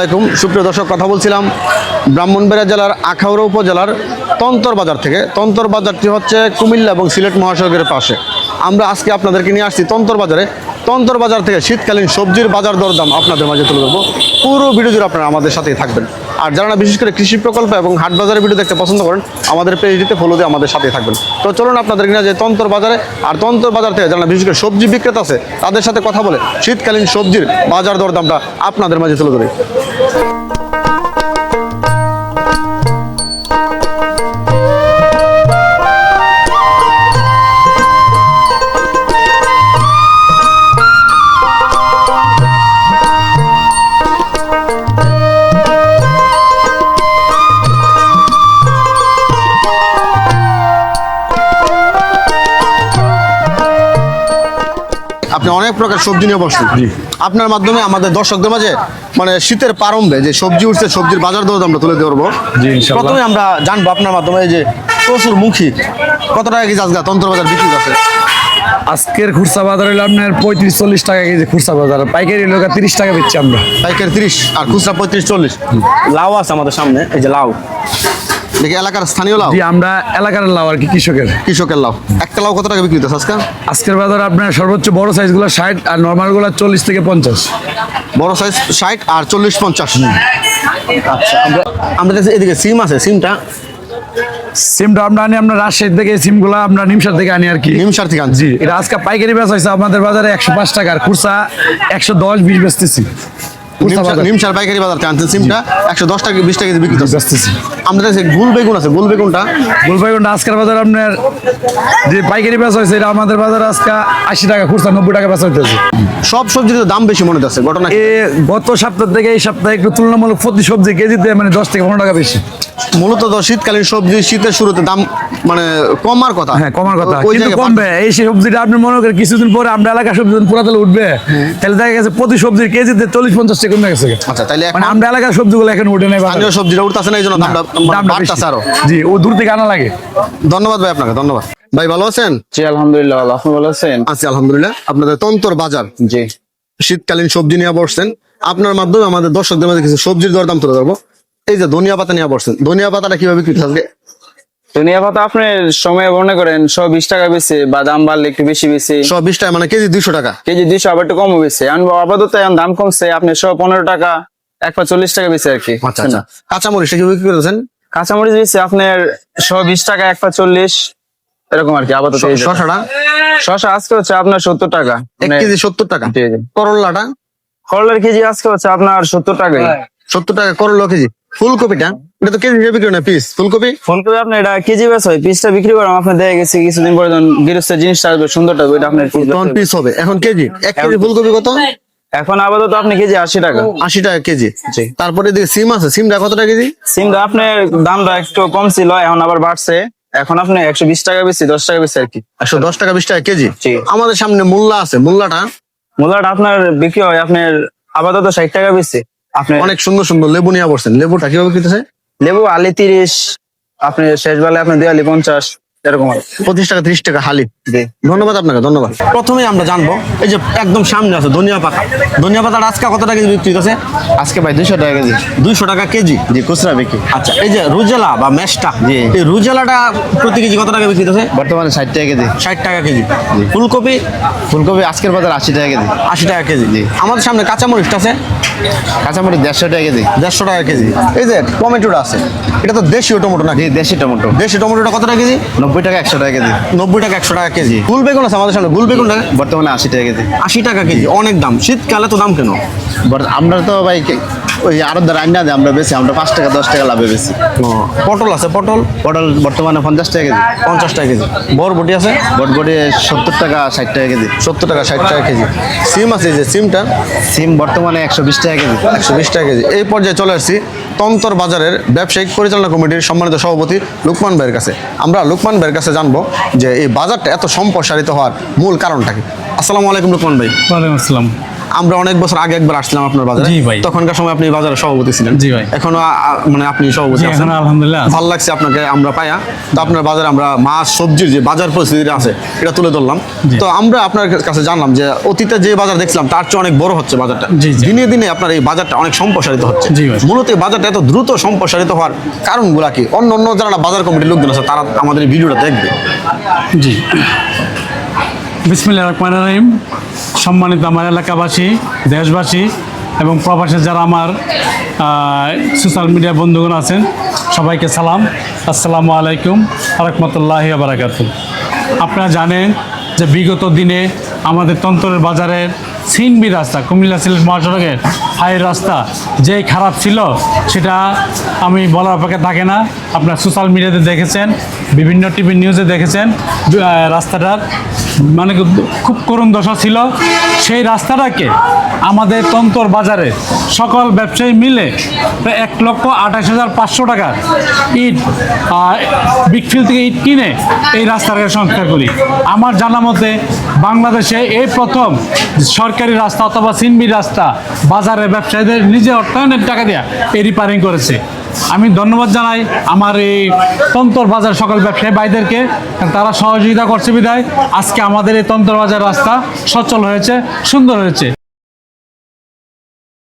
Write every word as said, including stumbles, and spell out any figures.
আলাইকুম সুপ্রিয় দর্শক, কথা বলছিলাম ব্রাহ্মণবাড়িয়া জেলার আখাউড়া উপজেলার তন্তর বাজার থেকে। তন্তর বাজারটি হচ্ছে কুমিল্লা এবং সিলেট মহাসড়কের পাশে। আমরা আজকে আপনাদেরকে নিয়ে আসছি তন্তর বাজারে। তন্তর বাজার থেকে শীতকালীন সবজির বাজার দরদাম আপনাদের মাঝে তুলে ধরবো। পুরো ভিডিও জুড়ে আপনারা আমাদের সাথেই থাকবেন। আর যারা বিশেষ করে কৃষি প্রকল্প এবং হাট বাজারের ভিডিও দেখতে পছন্দ করেন, আমাদের পেজটিতে ফলো দিয়ে আমাদের সাথেই থাকবেন। তো চলুন আপনাদেরকে নিয়ে যে তন্তর বাজারে। আর তন্তর বাজার থেকে যারা বিশেষ করে সবজি বিক্রেতা আছে তাদের সাথে কথা বলে শীতকালীন সবজির বাজার দরদামটা আপনাদের মাঝে তুলে ধরি। আপনি অনেক প্রকার সবজি নিয়ে বসছেন। আপনার মাধ্যমে আমাদের দর্শকদের মাঝে মানে শীতের প্রারম্ভে যে সবজি উঠছে, সবজির বাজার দর আমরা তুলে ধরবো। প্রথমে আমরা জানবো আপনার মাধ্যমে যে প্রচুর মুখী কত টাকা কেজি আজকে তন্তর বাজার বিক্রি আছে? আজকের খুচরা বাজার হলো আপনার পঁয়ত্রিশ চল্লিশ টাকা কেজি খুচরা বাজার, পাইকারি লোক তিরিশ টাকা বেচছি আমরা। পাইকারি তিরিশ আর খুচরা পঁয়ত্রিশ চল্লিশ। লাউ আছে আমাদের সামনে, এই যে লাউ দেখি এলাকার স্থানীয় লাউ। জি, আমরা এলাকার লাউ আর কি, কৃষকের কৃষকের লাউ। একটা লাউ কত টাকা বিক্রি হচ্ছে আজকে? আজকের বাজার আপনার সর্বোচ্চ বড় সাইজগুলো ষাট আর নর্মাল গুলো চল্লিশ থেকে পঞ্চাশ। বড় সাইজ ষাট আর চল্লিশ পঞ্চাশ। আচ্ছা, আমরা আমরা দেখছি এদিকে সিম আছে। সিমটা সিমটা আমরা আনি আপনার রাজশাহী থেকে, সিমগুলো আমরা নিমসার থেকে আনি আর কি। নিমসার থেকে আনছি। জি, এটা আজকে পাইকারি বেচা হয়েছে আমাদের বাজারে একশো পাঁচ টাকা, আর খুচরা একশো দশ বিশ বেচতেছি। নিমসার পাইকারি বাজার থেকে আনছেন সিমটা একশো দশ টাকা বিশ টাকা কেজি বিক্রি বেচতেছি। আমাদের কাছে গুল বেগুন আছে। গুল বেগুনটা গুল বেগুনটা আজকের বাজার আপনার যে পাইকারি বেচা হয়েছে এটা আমাদের বাজারে আজকে আশি টাকা, খুচরা নব্বই টাকা বেচা হইতেছে। সব সবজির দাম বেশি মনে হচ্ছে ঘটনা। এ গত সপ্তাহ থেকে এই সপ্তাহে একটু তুলনামূলক প্রতি সবজি কেজিতে মানে দশ থেকে পনেরো টাকা বেশি। মূলত তো শীতকালীন সবজি শীতের শুরুতে দাম মানে কমার কথা। হ্যাঁ, কমার কথা, ওই কিন্তু জায়গায় কমবে। এই সবজিটা আপনি মনে করেন কিছুদিন পরে আমরা এলাকার সবজি পুরা তাহলে উঠবে, তাহলে দেখা গেছে প্রতি সবজির কেজিতে চল্লিশ পঞ্চাশ টাকা কমে গেছে। আচ্ছা, তাহলে মানে আমরা এলাকার সবজিগুলো এখন উঠে নেই, স্থানীয় সবজিটা উঠতেছে না, এই জন্য দামটা বাড়তেছে আরো। জি, ও দূর থেকে আনা লাগে। ধন্যবাদ ভাই, আপনাকে ধন্যবাদ। ভাই ভালো আছেন? জি আলহামদুলিল্লাহ ভালো। আপনি ভালো আছেন? আছি আলহামদুলিল্লাহ। আপনাদের তন্তর বাজার জি, শীতকালীন সবজি নিয়ে বসছেন। আপনার মাধ্যমে আমাদের দর্শকদের মধ্যে কিছু সবজির দরদাম তুলে ধরবো। এই যে ধনিয়া পাতা নিয়ে বসছেন, ধনিয়া পাতাটা কিভাবে বিক্রি হচ্ছে? ধনিয়া পাতা আপনি সময় মনে করেন সব বিশ টাকা বেশি, বা দাম বাড়লে একটু বেশি বেশি। সব বিশ টাকা মানে কেজি দুইশো টাকা। কেজি দুইশো, আবার একটু কমও বেশি। আপাতত এখন দাম কমছে, আপনি সব পনেরো টাকা এক পা চল্লিশ টাকা বেশি আর কি। আচ্ছা আচ্ছা। কাঁচামরিচটা কি বিক্রি করতেছেন? কাঁচামরিচ বেশি আপনার সব বিশ টাকা এক পা চল্লিশ এরকম আর কি আপাতত। শশাটা? শশা আজকে হচ্ছে আপনার সত্তর টাকা, এক কেজি সত্তর টাকা। করল্লাটা? করলার কেজি আজকে হচ্ছে আপনার সত্তর টাকাই। সত্তর টাকা করলা কেজি। ফুলকপিটা এটা তো কেজি হিসেবে বিক্রি হয় না, পিস ফুলকপি। ফুলকপি আপনার এটা কেজি বেশ হয়, পিসটা বিক্রি করাম আপনার দেখা গেছে কিছুদিন পরে যখন গৃহস্থের জিনিসটা আসবে সুন্দরটা ওইটা আপনার তখন পিস হবে। এখন কেজি এক কেজি ফুলকপি কত? এখন আপাতত আপনি কেজি আশি টাকা। আশি টাকা কেজি। জি। তারপরে এদিকে সিম আছে। সিমটা কত টাকা কেজি? সিমটা আপনার দামটা একটু কম ছিল, এখন আবার বাড়ছে। এখন আপনি একশো বিশ টাকা বেশি, দশ টাকা বেশি আর কি। একশো দশ টাকা বিশ টাকা কেজি। জি। আমাদের সামনে মূল্যা আছে। মূল্যাটা মূলাটা আপনার বিক্রি হয় আপনার আপাতত ষাট টাকা বেশি। আপনি অনেক সুন্দর সুন্দর লেবু নিয়ে বসছেন। লেবুটা কিভাবে কিনতেছে? লেবু আলি তিরিশ, আপনি শেষ বেলায় আপনি দেওয়ালি পঞ্চাশ এরকম আর পঁচিশ টাকা ত্রিশ টাকা হালি। জি। ধন্যবাদ আপনাকে, ধন্যবাদ। প্রথমে আমরা জানবো এই যে একদম সামনে আছে ধনিয়া পাতা। ধনিয়া পাতাটা আজকে কত টাকা কেজি বিক্রি হচ্ছে? আজকে ভাই দুইশো টাকা কেজি। দুইশো টাকা কেজি। জি, খুচরা বিক্রি। আচ্ছা, এই যে রুজেলা বা মেশটা, জি। এই রুজেলাটা প্রতি কেজি কত টাকা বিক্রি হচ্ছে? বর্তমানে ষাট টাকা কেজি। ষাট টাকা কেজি। ফুলকপি? ফুলকপি আজকের বাজার আশি টাকা কেজি। আশি টাকা কেজি। আমাদের সামনে কাঁচামরিচটা আছে। কাঁচামরিচ দেড়শো টাকা কেজি। দেড়শো টাকা কেজি। এই যে টমেটোটা আছে, এটা তো দেশীয় টমেটো নাকি? দেশি টমেটো। দেশি টমেটোটা কত টাকা কেজি? নব্বই টাকা একশো টাকা কেজি। নব্বই টাকা একশো টাকা কেজি। গুল বেগুন আছে আমাদের সামনে। গুল বেগুনটা বর্তমানে আশি টাকা কেজি। আশি টাকা কেজি। অনেক দাম। শীতকালে তো দাম কেন? আমরা তো ভাই ওই আরো রান্না দেয় আমরা বেশি, আমরা পাঁচ টাকা দশ টাকা লাভে বেশি। পটল আছে। পটল পটল বর্তমানে পঞ্চাশ টাকা কেজি। পঞ্চাশ টাকা কেজি। বরবটি আছে। বটবটি সত্তর টাকা ষাট টাকা কেজি। সত্তর টাকা ষাট টাকা কেজি। সিম আছে, এই যে সিমটা সিম বর্তমানে একশো বিশ টাকা কেজি। একশো বিশ টাকা কেজি। এই পর্যায়ে চলে আসছি তন্তর বাজারের ব্যবসায়িক পরিচালনা কমিটির সম্মানিত সভাপতি লুকমান ভাইয়ের কাছে। আমরা লুকমান ভাইয়ের কাছে জানবো যে এই বাজারটা এত সম্প্রসারিত হওয়ার মূল কারণটা কি। আসসালামু আলাইকুম লুকমান ভাই। ওয়ালাইকুম আসসালাম। আমরা অনেক বছর আগে একবার আসছিলাম আপনার বাজারে। জি ভাই। তখনকার সময় আপনি বাজারে সভাপতি ছিলেন। জি ভাই। এখনো আ- আ- মানে আপনি সভাপতি জি, আছেন। এখনো আলহামদুলিল্লাহ আছি। ভালো লাগছে আপনাকে আমরা পাইয়া। তো আপনার বাজারে আমরা মাছ সবজির যে বাজার পরিস্থিতি আছে এটা তুলে ধরলাম। জি। তো আমরা আপনার কাছে জানলাম যে অতীতে যে বাজার দেখছিলাম তার চেয়ে অনেক বড় হচ্ছে বাজারটা। জি, জি। দিনে দিনে আপনার এই বাজারটা অনেক সম্প্রসারিত হচ্ছে। জি ভাই। মূলত এই বাজারটা এত দ্রুত সম্প্রসারিত হওয়ার কারণগুলা কি? অন্য অন্য যারা বাজার কমিটির লোকজন আছে তারা আমাদের এই ভিডিওটা দেখবে। জি, বিসমিল্লাহির রহমানির রহিম। সম্মানিত আমার এলাকাবাসী, দেশবাসী এবং প্রবাসে যারা আমার সোশ্যাল মিডিয়া বন্ধুগণ আছেন, সবাইকে সালাম। আসসালামু আলাইকুম রহমতুল্লাহি ওয়া বারাকাতুহু। আপনারা জানেন যে বিগত দিনে আমাদের তন্তরের বাজারের সিনবি রাস্তা, কুমিল্লা সিলেট মহাসড়কের হাই রাস্তা যে খারাপ ছিল সেটা আমি বলার অপেক্ষা থাকে না। আপনার সোশ্যাল মিডিয়াতে দেখেছেন, বিভিন্ন টিভি নিউজে দেখেছেন আহ, রাস্তাটার মানে খুব করুণ দশা ছিল। সেই রাস্তাটাকে আমাদের তন্তর বাজারে সকল ব্যবসায়ী মিলে প্রায় এক লক্ষ আঠাশ হাজার পাঁচশো টাকার ইট বিগফিল থেকে ইট কিনে এই রাস্তাটাকে সংস্কার করি। আমার জানা মতে বাংলাদেশে এই প্রথম সরকারি রাস্তা অথবা সিনবি রাস্তা বাজারে ব্যবসায়ীদের নিজে অর্থায়নের টাকা দেওয়া এই রিপেয়ারিং করেছে। আমি ধন্যবাদ জানাই আমার এই তন্তর বাজার সকল ব্যবসায়ী ভাইদেরকে, তারা সহযোগিতা করছে বিধায় আজকে আমাদের এই তন্তর বাজার রাস্তা সচল হয়েছে, সুন্দর হয়েছে।